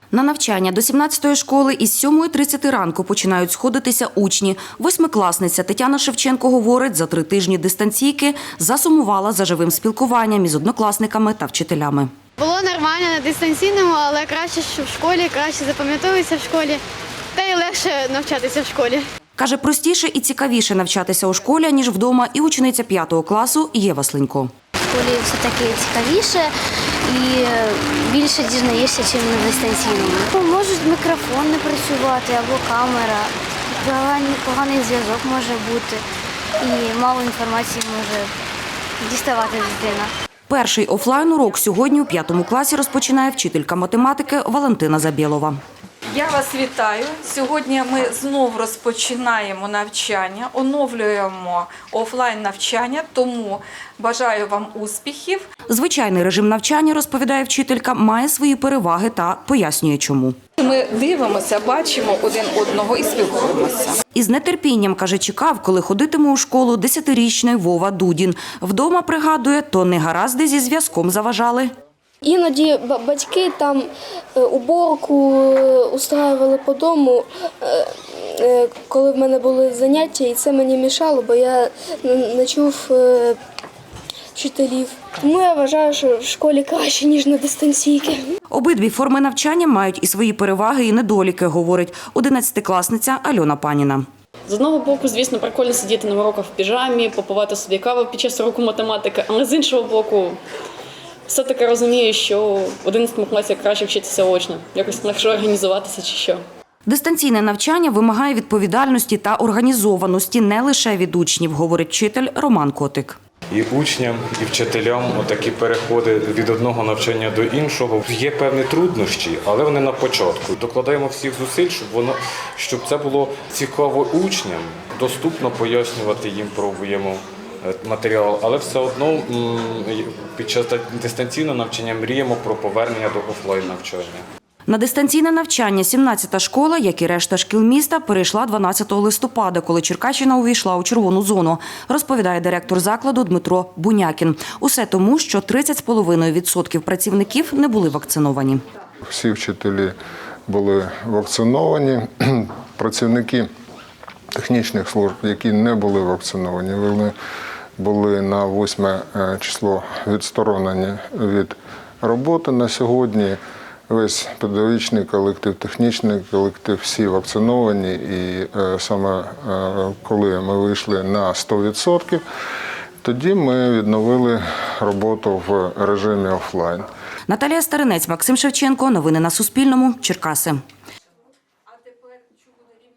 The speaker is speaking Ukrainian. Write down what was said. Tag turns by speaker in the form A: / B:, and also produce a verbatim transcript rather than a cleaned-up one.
A: На навчання до сімнадцятої школи із сьомої тридцяти ранку починають сходитися учні. Восьмикласниця Тетяна Шевченко говорить, за три тижні дистанційки засумувала за живим спілкуванням із однокласниками та вчителями.
B: Було нормально на дистанційному, але краще, що в школі, краще запам'ятовується в школі, та й легше навчатися в школі.
A: Каже, простіше і цікавіше навчатися у школі, ніж вдома, і учениця п'ятого класу Єва Слинько.
C: В школі все-таки цікавіше і більше дізнаєшся, ніж на дистанційному. Можуть мікрофон не працювати або камера, поганий, поганий зв'язок може бути і мало інформації може діставати дитина.
A: Перший офлайн-урок сьогодні у п'ятому класі розпочинає вчителька математики Валентина Забєлова.
D: Я вас вітаю. Сьогодні ми знову розпочинаємо навчання, оновлюємо офлайн-навчання, тому бажаю вам успіхів.
A: Звичайний режим навчання, розповідає вчителька, має свої переваги та пояснює чому.
D: Ми дивимося, бачимо один одного і спілкуємося.
A: Із нетерпінням, каже, чекав, коли ходитиме у школу десятирічний Вова Дудін. Вдома, пригадує, то негаразди зі зв'язком заважали.
E: Іноді батьки там уборку устраювали по дому, коли в мене були заняття, і це мені мішало, бо я не чув вчителів. Тому я вважаю, що в школі краще, ніж на дистанційки.
A: Обидві форми навчання мають і свої переваги, і недоліки, говорить одинадцятикласниця Альона Паніна.
F: З одного боку, звісно, прикольно сидіти на уроках в піжамі, попивати собі каву під час уроку математики, але з іншого боку, все-таки розумію, що в одинадцятому класі краще вчитися очно, якось легше організуватися чи що.
A: Дистанційне навчання вимагає відповідальності та організованості не лише від учнів, говорить вчитель Роман Котик.
G: І учням, і вчителям такі переходи від одного навчання до іншого. Є певні труднощі, але вони на початку. Докладаємо всіх зусиль, щоб воно, щоб це було цікаво учням, доступно пояснювати їм пробуємо матеріал, але все одно під час дистанційного навчання мріємо про повернення до офлайн навчання.
A: На дистанційне навчання сімнадцята школа, як і решта шкіл міста, перейшла дванадцятого листопада, коли Черкащина увійшла у червону зону, розповідає директор закладу Дмитро Бунякін. Усе тому, що тридцять з половиною відсотків працівників не були вакциновані.
H: Всі вчителі були вакциновані, працівники технічних служб, які не були вакциновані, вони були на восьме число відсторонені від роботи. На сьогодні весь педагогічний колектив, технічний колектив, всі вакциновані. І саме коли ми вийшли на сто відсотків, тоді ми відновили роботу в режимі офлайн.
A: Наталія Старинець, Максим Шевченко. Новини на Суспільному. Черкаси.